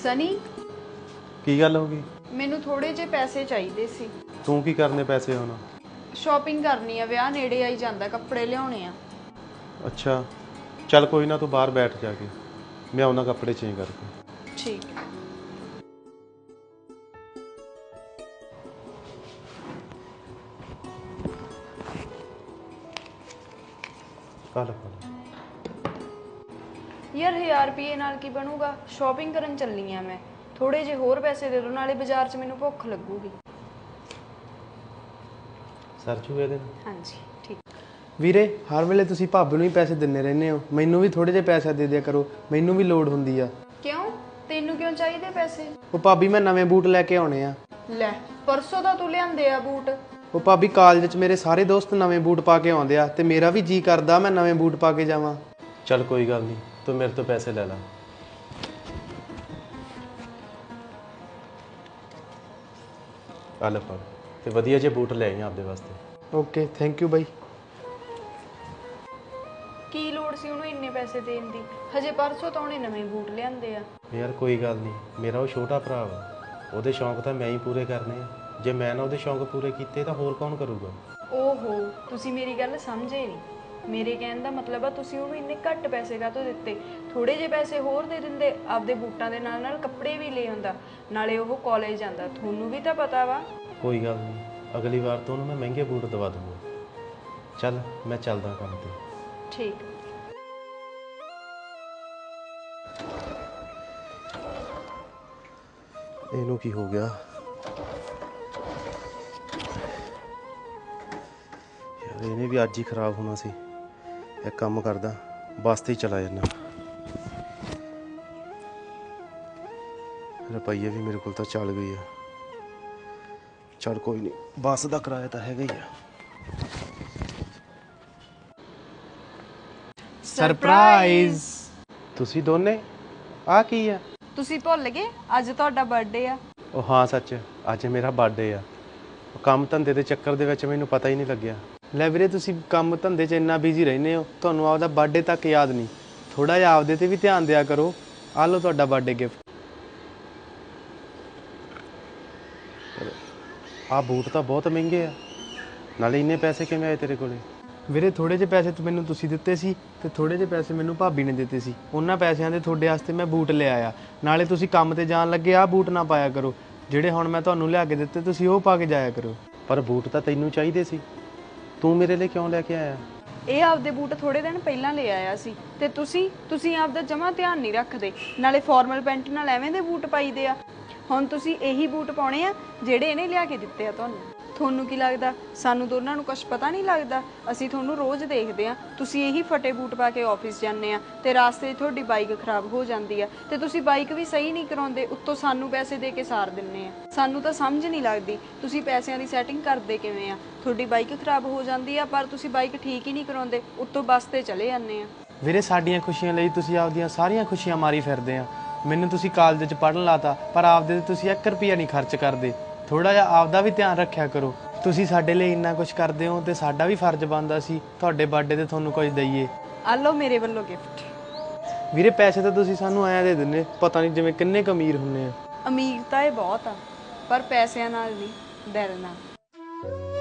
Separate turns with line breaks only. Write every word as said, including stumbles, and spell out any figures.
सनी
की गल हो गई?
मैनू थोड़े जे पैसे चाहिए सी।
तू की करने पैसे होना?
शॉपिंग करनी है, विआह नेड़े आई जांदा, कपड़े लियाने आ।
अच्छा चल कोई ना, तू बाहर बैठ जाके, मैं आउना कपड़े चेंज करके।
ठीक है।
कल कल
यार हज़ार रुपये नाल की बनूगा? शॉपिंग करन चलनी है मैं, थोड़े जे होर पैसे दे दो, नाले बाजार च मैनू भुख लगूगी।
सरचू ये दिन
हाँ जी ठीक।
ਵੀਰੇ ਹਰ ਵੇਲੇ ਤੁਸੀਂ ਭਾਬੀ ਨੂੰ ਹੀ ਪੈਸੇ ਦਿੰਦੇ ਰਹਿੰਦੇ ਹੋ, ਮੈਨੂੰ ਵੀ ਥੋੜੇ ਜਿਹੇ ਪੈਸੇ ਦੇ ਦਿਆ ਕਰੋ, ਮੈਨੂੰ ਵੀ ਲੋੜ ਹੁੰਦੀ ਆ।
क्यों तेनू क्यों चाहिए पैसे?
ਉਹ ਭਾਬੀ ਮੈਂ ਨਵੇਂ ਬੂਟ ਲੈ ਕੇ ਆਉਣੇ ਆ।
ਲੈ परसों तो तू लियांदे आ बूट।
ਉਹ ਭਾਬੀ ਕਾਲਜ 'ਚ ਮੇਰੇ ਸਾਰੇ ਦੋਸਤ ਨਵੇਂ ਬੂਟ ਪਾ ਕੇ ਆਉਂਦੇ ਆ ਤੇ ਮੇਰਾ ਵੀ ਜੀ ਕਰਦਾ ਮੈਂ ਨਵੇਂ ਬੂਟ ਪਾ ਕੇ ਜਾਵਾਂ।
चल कोई गल नहीं, तू मेरे तो पैसे ले ला। कल फड़ ते वधिया जे बूट ले आई आपदे वास्ते।
Okay thank you bye.
की लोड़ सी उन्हें इन्ने पैसे देन दी? हजे परसों तो उन्हें नवे बूट लियांदे आ।
यार कोई गल नहीं, मेरा वो छोटा भरा वा, ਉਹਦੇ शौक तो मैं ही पूरे करने आ। जे मैं ना ਉਹਦੇ शौक पूरे कीते तो होर कौन करूगा?
ओहो तुसी मेरी गल समझे नहीं। मेरे कहण दा मतलब आ तुसी ਉਹਨੂੰ ਇੰਨੇ ਘੱਟ ਪੈਸੇ ਕਾਹਤੋਂ ਦਿੱਤੇ? ਥੋੜੇ ਜਿਹੇ ਪੈਸੇ ਹੋਰ ਦੇ ਦਿੰਦੇ, ਆਪਦੇ ਬੂਟਾਂ ਦੇ ਨਾਲ ਨਾਲ ਕੱਪੜੇ ਵੀ ਲੈ ਆਉਂਦਾ, ਨਾਲੇ ਉਹ ਕਾਲਜ ਜਾਂਦਾ। ਤੁਹਾਨੂੰ ਵੀ ਤਾਂ ਪਤਾ ਵਾ।
कोई गल नहीं, अगली बार तो ਉਹਨੂੰ मैं महंगे बूट दवा दूंगा। चल मैं चलदा काम ते।
ठीक।
ਇਹਨੂੰ ਕੀ ਹੋ ਗਿਆ ਯਾਰ? ਇਹਨੇ ਵੀ ਅੱਜ ਹੀ ਖਰਾਬ ਹੋਣਾ ਸੀ। ਇੱਕ ਕੰਮ ਕਰਦਾ, ਬੱਸ ਤੇ ਹੀ ਚਲਾ ਜਾਂਦਾ। ਰੁਪਈਏ ਵੀ ਮੇਰੇ ਕੋਲ ਤਾਂ ਚੱਲ ਗਈ ਆ। ਚੱਲ ਕੋਈ ਨਹੀਂ, ਬੱਸ ਦਾ ਕਿਰਾਇਆ ਤਾਂ ਹੈਗਾ ਹੀ ਆ।
ਸਰਪ੍ਰਾਈਜ਼।
ਤੁਸੀਂ ਦੋਨੇ ਆ ਕੀ ਆ?
ਤੁਸੀਂ ਭੁੱਲ ਗਏ ਅੱਜ ਤੁਹਾਡਾ ਬਰਥਡੇ ਆ।
ਉਹ ਹਾਂ ਸੱਚ, ਅੱਜ ਮੇਰਾ ਬਰਥਡੇ ਆ। ਉਹ ਕੰਮ ਧੰਦੇ ਦੇ ਚੱਕਰ ਦੇ ਵਿੱਚ ਮੈਨੂੰ ਪਤਾ ਹੀ ਨਹੀਂ ਲੱਗਿਆ।
ਲੈ ਵੀਰੇ ਤੁਸੀਂ ਕੰਮ ਧੰਦੇ 'ਚ ਇੰਨਾ ਬਿਜ਼ੀ ਰਹਿੰਦੇ ਹੋ, ਤੁਹਾਨੂੰ ਆਪਦਾ ਬਰਥਡੇ ਤੱਕ ਯਾਦ ਨਹੀਂ। ਥੋੜਾ ਜਿਹਾ ਆਪਦੇ ਤੇ ਵੀ ਧਿਆਨ ਦਿਆ ਕਰੋ। ਆਹ ਲਓ ਤੁਹਾਡਾ ਬਰਥਡੇ ਗਿਫਟ।
ਆਹ ਬੂਟ ਤਾਂ ਬਹੁਤ ਮਹਿੰਗੇ ਆ, ਨਾਲੇ ਇੰਨੇ ਪੈਸੇ ਕਿਵੇਂ ਆਏ ਤੇਰੇ ਕੋਲੇ?
ਵੀਰੇ ਥੋੜੇ ਜਿਹੇ ਪੈਸੇ ਤਾਂ ਮੈਨੂੰ ਤੁਸੀਂ ਦਿੱਤੇ ਸੀ ਤੇ ਥੋੜੇ ਜਿਹੇ ਪੈਸੇ ਮੈਨੂੰ ਭਾਬੀ ਨੇ ਦਿੱਤੇ ਸੀ। ਉਹਨਾਂ ਪੈਸਿਆਂ ਦੇ ਤੁਹਾਡੇ ਵਾਸਤੇ ਮੈਂ ਬੂਟ ਲੈ ਆਇਆ। ਨਾਲੇ ਤੁਸੀਂ ਕੰਮ ਤੇ ਜਾਣ ਲੱਗੇ ਆਹ ਬੂਟ ਨਾ ਪਾਇਆ ਕਰੋ, ਜਿਹੜੇ ਹੁਣ ਮੈਂ ਤੁਹਾਨੂੰ ਲਿਆ ਕੇ ਦਿੱਤੇ ਤੁਸੀਂ ਉਹ ਪਾ ਕੇ ਜਾਇਆ ਕਰੋ।
ਪਰ ਬੂਟ ਤਾਂ ਤੈਨੂੰ ਚਾਹੀਦੇ ਸੀ, ਤੂੰ ਮੇਰੇ ਲਈ ਕਿਉਂ ਲੈ ਕੇ ਆਇਆ?
ਇਹ ਆਪਦੇ ਬੂਟ ਥੋੜੇ ਦਿਨ ਪਹਿਲਾਂ ਲੈ ਆਇਆ ਸੀ ਤੇ ਤੁਸੀਂ ਤੁਸੀਂ ਆਪਦਾ ਜਮਾ ਧਿਆਨ ਨਹੀਂ ਰੱਖਦੇ। ਨਾਲੇ ਫਾਰਮਲ ਪੈਂਟ ਨਾਲ ਐਵੇਂ ਦੇ ਬੂਟ ਪਾਈਦੇ ਆ। ਹੁਣ ਤੁਸੀਂ ਇਹੀ ਬੂਟ ਪਾਉਣੇ ਆ ਜਿਹੜੇ ਇਹਨੇ ਲਿਆ ਕੇ ਦਿੱਤੇ ਆ ਤੁਹਾਨੂੰ। ਤੁਹਾਨੂੰ ਕੀ ਲੱਗਦਾ ਸਾਨੂੰ ਦੋਨਾਂ ਨੂੰ ਕੁਝ ਪਤਾ ਨਹੀਂ ਲੱਗਦਾ? ਅਸੀਂ ਤੁਹਾਨੂੰ ਰੋਜ਼ ਦੇਖਦੇ ਆ, ਤੁਸੀਂ ਇਹੀ ਫਟੇ ਬੂਟ ਪਾ ਕੇ ਆਫਿਸ ਜਾਂਦੇ ਆ ਤੇ ਰਾਸਤੇ 'ਚ ਤੁਹਾਡੀ ਬਾਈਕ ਖਰਾਬ ਹੋ ਜਾਂਦੀ ਆ ਤੇ ਤੁਸੀਂ ਬਾਈਕ ਵੀ ਸਹੀ ਨਹੀਂ ਕਰਾਉਂਦੇ, ਉੱਤੋਂ ਸਾਨੂੰ ਪੈਸੇ ਦੇ ਕੇ ਸਾਰ ਦਿੰਨੇ ਆ। ਸਾਨੂੰ ਤਾਂ ਸਮਝ ਨਹੀਂ ਲੱਗਦੀ ਤੁਸੀਂ ਪੈਸਿਆਂ ਦੀ ਸੈਟਿੰਗ ਕਰਦੇ ਕਿਵੇਂ ਆ? ਤੁਹਾਡੀ ਬਾਈਕ ਖਰਾਬ ਹੋ ਜਾਂਦੀ ਆ ਪਰ ਤੁਸੀਂ ਬਾਈਕ ਠੀਕ ਹੀ ਨਹੀਂ ਕਰਾਉਂਦੇ, ਉੱਤੋਂ ਬੱਸ ਤੇ ਚਲੇ ਜਾਂਦੇ ਆ।
ਵੀਰੇ ਸਾਡੀਆਂ ਖੁਸ਼ੀਆਂ ਲਈ ਤੁਸੀਂ ਆਪਦੀਆਂ ਸਾਰੀਆਂ ਖੁਸ਼ੀਆਂ ਮਾਰੀ ਫਿਰਦੇ ਆ। ਮੈਨੂੰ ਤੁਸੀਂ ਕਾਲਜ 'ਚ ਪੜ੍ਹਨ ਲਾਤਾ ਪਰ ਆਪਦੇ ਤੇ ਤੁਸੀਂ ਇੱਕ ਰੁਪਈਆ ਨਹੀਂ ਖਰਚ ਕਰਦੇ। ਥੋੜਾ ਜਿਹਾ ਆਪਦਾ ਵੀ ਧਿਆਨ ਰੱਖਿਆ ਕਰੋ। ਤੁਸੀਂ ਸਾਡੇ ਲਈ ਇੰਨਾ ਕੁਝ ਕਰਦੇ ਹੋ ਤੇ ਸਾਡਾ ਵੀ ਫਰਜ਼ ਬਣਦਾ ਸੀ ਤੁਹਾਡੇ ਬਰਥਡੇ ਤੇ ਤੁਹਾਨੂੰ ਕੁਝ ਦਈਏ।
ਆ ਲਓ ਮੇਰੇ ਵੱਲੋਂ ਗਿਫਟ।
ਵੀਰੇ ਪੈਸੇ ਤਾਂ ਤੁਸੀਂ ਸਾਨੂੰ ਐਂ ਦੇ ਦਿੰਦੇ, ਪਤਾ ਨਹੀਂ ਜਿਵੇਂ ਕਿੰਨੇ ਕੁ ਅਮੀਰ ਹੁੰਦੇ ਆ।
ਅਮੀਰ ਤਾਂ ਇਹ ਬਹੁਤ ਆ ਪਰ ਪੈਸਿਆਂ ਨਾਲ ਨਹੀਂ, ਦਿਲ ਨਾਲ।